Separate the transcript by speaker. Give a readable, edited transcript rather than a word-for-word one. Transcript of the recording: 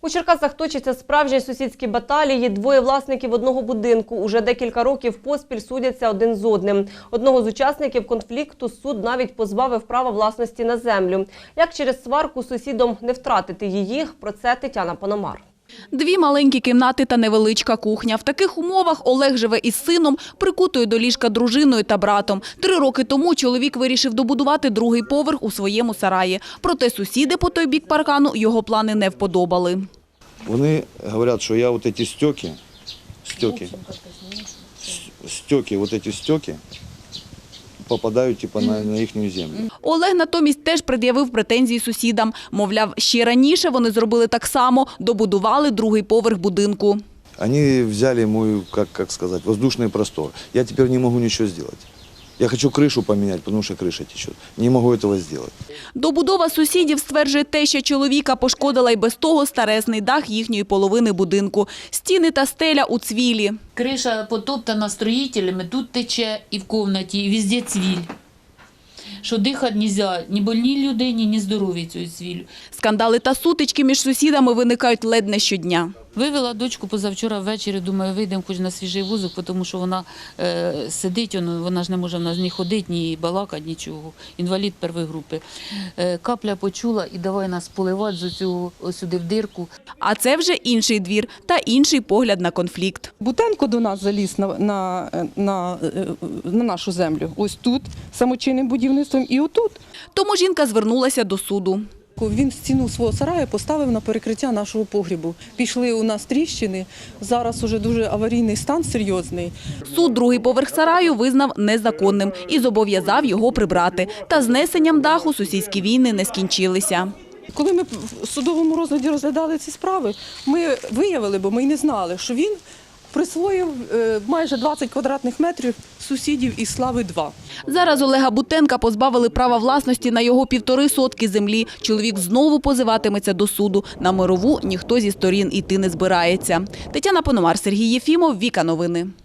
Speaker 1: У Черкасах точаться справжні сусідські баталії. Двоє власників одного будинку уже декілька років поспіль судяться один з одним. Одного з учасників конфлікту суд навіть позбавив права власності на землю. Як через сварку сусідом не втратити її, про це Тетяна Пономар.
Speaker 2: Дві маленькі кімнати та невеличка кухня. В таких умовах Олег живе із сином, прикутою до ліжка дружиною та братом. 3 роки тому чоловік вирішив добудувати другий поверх у своєму сараї. Проте сусіди по той бік паркану його плани не вподобали.
Speaker 3: Вони говорять, що я вот эти стеки, попадають типа на їхню землю.
Speaker 2: Олег натомість теж пред'явив претензії сусідам. Мовляв, ще раніше вони зробили так само, добудували другий поверх будинку.
Speaker 3: Вони взяли мой, как сказать, воздушный простор. Я тепер не можу нічого зробити. Я хочу кришу поміняти, тому що криша тече. Не можу цього зробити.
Speaker 2: Добудова сусідів, стверджує теща чоловіка, пошкодила й без того старезний дах їхньої половини будинку. Стіни та стеля у цвілі.
Speaker 4: Криша потоптана строїтелями, тут тече і в кімнаті, і везде цвіль. Що дихати не можна ні больній людині, ні здоровій цією цвіллю.
Speaker 2: Скандали та сутички між сусідами виникають ледь не щодня.
Speaker 4: Вивела дочку позавчора ввечері, думаю, вийдемо хоч на свіжий воздух, тому що вона сидить, вона ж не може в нас ні ходити, ні балакати, нічого. Інвалід першої групи. Капля почула і давай нас поливати з цього сюди в дирку.
Speaker 2: А це вже інший двір та інший погляд на конфлікт.
Speaker 5: Бутенко до нас заліз на нашу землю. Ось тут, самочинним будівництвом, і отут.
Speaker 2: Тому жінка звернулася до суду.
Speaker 5: Він стіну свого сараю поставив на перекриття нашого погрібу. Пішли у нас тріщини, зараз уже дуже аварійний стан, серйозний.
Speaker 2: Суд другий поверх сараю визнав незаконним і зобов'язав його прибрати. Та знесенням даху сусідські війни не скінчилися.
Speaker 5: Коли ми в судовому розгляді розглядали ці справи, ми виявили, бо ми й не знали, що він присвоїв майже 20 квадратних метрів сусідів із Слави-2.
Speaker 2: Зараз Олега Бутенка позбавили права власності на його 1,5 сотки землі. Чоловік знову позиватиметься до суду. На мирову ніхто зі сторін іти не збирається. Тетяна Пономар, Сергій Єфімов, Віка Новини.